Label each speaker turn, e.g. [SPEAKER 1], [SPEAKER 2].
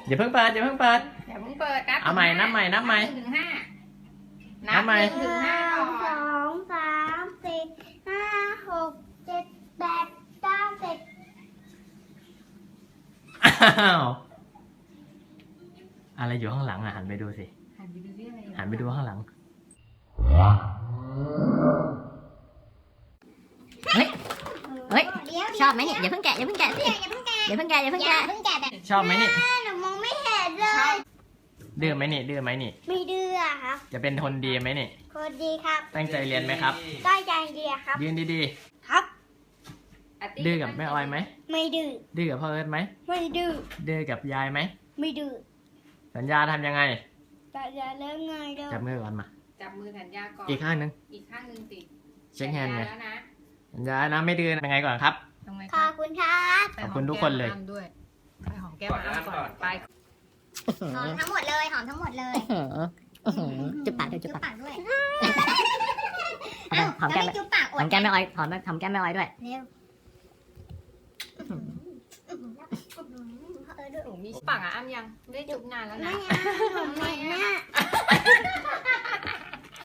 [SPEAKER 1] อย่าเพิ่งเปิดอย่าเพิ่งเปิด
[SPEAKER 2] อย่าเพิ่งเปิด
[SPEAKER 1] เอาใหม่นับใหม่นับใหม่
[SPEAKER 2] ถึงห้า
[SPEAKER 1] นับใหม่
[SPEAKER 2] ถึงห้าก่อน
[SPEAKER 3] 2 3 4 5 6 7 8 9 10
[SPEAKER 1] อ้าวอะไรอยู่ข้างหลังอ่ะหันไปดูสิ
[SPEAKER 2] หันไปดูที่อะไร
[SPEAKER 1] หันไปดูข้างหลังเฮ้ยเฮ้ยชอบไหมเนี่ยอย่าเพิ่งแกะอย่าเพิ่งแกะสิอย่าเพิ่งแกะอย่าเพิ่งแกะอย่าเพิ่งแกะชอบไหมนี่
[SPEAKER 3] หนูมองไม่เห็นเลย
[SPEAKER 1] ดื้อไหมนี่ดื้อไหมนี่
[SPEAKER 3] ไม่ดื้อครับ
[SPEAKER 1] จะเป็นคนดีไหมนี่
[SPEAKER 3] คนดีครับ
[SPEAKER 1] ตั้งใจเรียนไหมครับ
[SPEAKER 3] ได้ใจดีครับ
[SPEAKER 1] ยืนดี
[SPEAKER 3] ครับ
[SPEAKER 1] ๆดื้อกับแม่ออยไหม
[SPEAKER 3] ไม่ดื้อ
[SPEAKER 1] ดื้อกับพ่อเอิร์ธไหม
[SPEAKER 3] ไม่ดื้อ
[SPEAKER 1] ดื้อกับยายไหม
[SPEAKER 3] ไม่ดื้อ
[SPEAKER 1] สัญญาทำยังไง
[SPEAKER 3] แต่อย่าเลิกไงเด้อ
[SPEAKER 1] จับมือก่อนมา
[SPEAKER 2] จับมือสัญญาก่อน
[SPEAKER 1] อีกข้างหนึง
[SPEAKER 2] อีกข้างหนึ่งติด
[SPEAKER 1] เช็คแฮนด์ไง
[SPEAKER 2] แล้วนะ
[SPEAKER 1] สัญญานะไม่ดื้อยังไงก่อนครับ
[SPEAKER 2] ทำไม
[SPEAKER 3] ขอบคุณครับ
[SPEAKER 1] ขอบคุณทุกคนเลย
[SPEAKER 2] ไปหอมแก้มอ้ำก่อนไป
[SPEAKER 3] หอมทั้งหมดเลยหอมทั้งหมดเลย
[SPEAKER 4] จุ๊บปากด้วยจุ๊บ
[SPEAKER 3] จุ๊บ
[SPEAKER 4] ปาก
[SPEAKER 3] ปากด้วย
[SPEAKER 4] หอมแก้ม
[SPEAKER 3] จุ๊บปาก
[SPEAKER 4] หอมแก้มแม่ออยหอมแก้มแม่ออยด้วย
[SPEAKER 3] เร็ว
[SPEAKER 2] หนูมีปากอ่ะอ้ำยังไม่ได้จุบนานแล้ว
[SPEAKER 3] ไม่
[SPEAKER 2] นะ
[SPEAKER 3] เอาผมเหม็นนะ